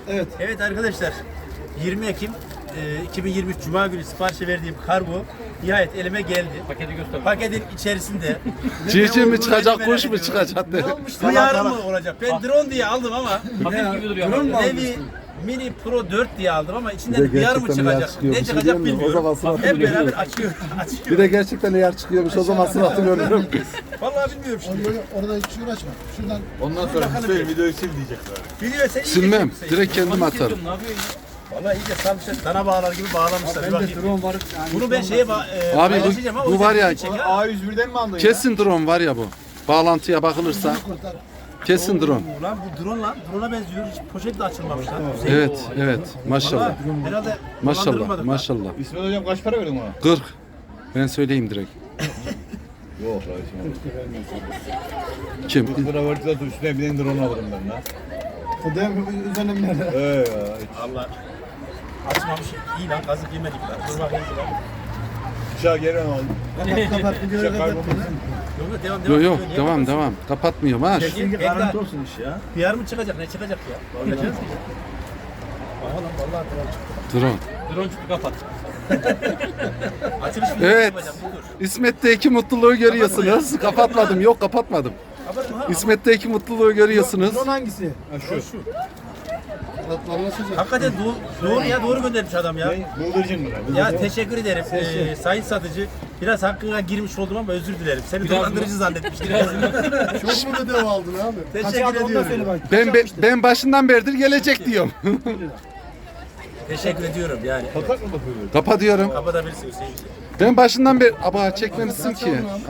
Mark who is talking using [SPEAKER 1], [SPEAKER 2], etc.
[SPEAKER 1] Evet.
[SPEAKER 2] Evet arkadaşlar, 20 Ekim 2023 Cuma günü siparişe verdiğim kargo nihayet elime geldi.
[SPEAKER 3] Paketi göster.
[SPEAKER 2] Paketin içerisinde
[SPEAKER 4] Civciv mi
[SPEAKER 2] olduğunu
[SPEAKER 4] çıkacak,
[SPEAKER 2] merak
[SPEAKER 4] kuş mu
[SPEAKER 2] ediyorum.
[SPEAKER 4] çıkacak dedi.
[SPEAKER 2] Bu yarın mı olacak? Ben drone diye aldım ama
[SPEAKER 3] Paket gibi duruyor.
[SPEAKER 1] Drone mu
[SPEAKER 3] ama.
[SPEAKER 2] Nevi Mini Pro 4 diye aldım ama
[SPEAKER 4] Bir
[SPEAKER 2] içinden
[SPEAKER 4] de
[SPEAKER 2] bir yer mi
[SPEAKER 4] gerçekten yer
[SPEAKER 2] çıkacak?
[SPEAKER 4] çıkıyor.
[SPEAKER 2] Ne
[SPEAKER 4] Bir şey
[SPEAKER 2] çıkacak
[SPEAKER 4] diyeyim mi? O zaman
[SPEAKER 2] bilmiyorum.
[SPEAKER 4] suratını
[SPEAKER 2] Hep beraber
[SPEAKER 4] görüyorum.
[SPEAKER 2] açıyor.
[SPEAKER 4] Bir de gerçekten yer çıkıyormuş, o zaman sıratı görüyorum.
[SPEAKER 2] Vallahi bilmiyorum şimdi.
[SPEAKER 1] Böyle orada hiç uğraşma. Şuradan
[SPEAKER 5] Ondan sonra Hüseyin videoyu sil diyecekler.
[SPEAKER 2] Biliyor sen iyi
[SPEAKER 4] Silmem,
[SPEAKER 2] geçeceksin.
[SPEAKER 4] direkt kendim atarım.
[SPEAKER 3] Ne yapıyorsun ya?
[SPEAKER 2] Vallahi iyice sarmışlar. Dana bağlar gibi bağlamışlar. Bir
[SPEAKER 1] ben de
[SPEAKER 2] bakayım.
[SPEAKER 1] drone var. Yani
[SPEAKER 2] Bunu ben şeye
[SPEAKER 4] Abi
[SPEAKER 2] paylaşacağım ama
[SPEAKER 4] bu
[SPEAKER 2] o
[SPEAKER 4] var
[SPEAKER 2] yüzden
[SPEAKER 4] ya,
[SPEAKER 2] çek ha.
[SPEAKER 5] A101'den mi aldın
[SPEAKER 4] kesin drone var ya bu. Bağlantıya bakılırsa
[SPEAKER 1] kurtar.
[SPEAKER 4] kesin drone.
[SPEAKER 2] Lan bu drone lan. Drone'a benziyor. Hiç poşet de açılmamış lan. Güzel.
[SPEAKER 4] Evet, evet. Maşallah.
[SPEAKER 2] Vallahi herhalde
[SPEAKER 4] Maşallah,
[SPEAKER 2] dolandırılmadık lan.
[SPEAKER 4] maşallah.
[SPEAKER 5] ya? İsmet hocam kaç para verdin ona?
[SPEAKER 4] 40. Ben söyleyeyim direkt.
[SPEAKER 5] Yok kardeşim.
[SPEAKER 4] Kim?
[SPEAKER 5] 40 lira verdiler üstüne bir drone alırım ben lan.
[SPEAKER 1] O da üzerine biner.
[SPEAKER 5] Ya.
[SPEAKER 2] Allah. Açmamış. İyi lan kazık yemedik lan. Dur bakayım.
[SPEAKER 5] Bıçağı geri aldım.
[SPEAKER 1] Kapat videoyu
[SPEAKER 5] Bıçak
[SPEAKER 1] kapat.
[SPEAKER 5] kaybolmasın.
[SPEAKER 2] Yok devam
[SPEAKER 4] Yok yok,
[SPEAKER 2] Niye
[SPEAKER 4] devam
[SPEAKER 2] bakıyorsun?
[SPEAKER 4] devam. Kapatmıyorum ha.
[SPEAKER 2] Peki,
[SPEAKER 1] Garanti olsun iş ya.
[SPEAKER 2] PR mı çıkacak? Ne çıkacak ya? Bakacağız ki. Aha lan vallahi drone çıktı.
[SPEAKER 4] Drone.
[SPEAKER 3] Drone çıktı kapat.
[SPEAKER 2] Açılış videosu
[SPEAKER 4] Evet.
[SPEAKER 2] yapacağım. Dur.
[SPEAKER 4] İsmet'teki mutluluğu görüyorsunuz. Kapatmadım. Yok kapatmadım.
[SPEAKER 2] Kapatma ha.
[SPEAKER 4] İsmet'teki mutluluğu görüyorsunuz.
[SPEAKER 1] Drone hangisi?
[SPEAKER 5] Ha şu.
[SPEAKER 1] Anlaşacak.
[SPEAKER 2] Hakikaten doğru ya doğru göndermiş adam ya.
[SPEAKER 5] Bıldırcın mı?
[SPEAKER 2] Ya teşekkür ederim sayın satıcı. Biraz hakkına girmiş oldum ama özür dilerim. Seni dolandırıcı zannetmiştim.
[SPEAKER 1] Çok mu ödev aldın abi?
[SPEAKER 2] Teşekkür ediyorum.
[SPEAKER 4] Ben başından beridir gelecek diyorum.
[SPEAKER 2] Teşekkür ediyorum yani.
[SPEAKER 5] Patak mı bakıyor?
[SPEAKER 4] Kapatıyorum.
[SPEAKER 2] Kapatabilirsin Hüseyin.
[SPEAKER 4] Ben başından beri... Aba çekmemişsin ki.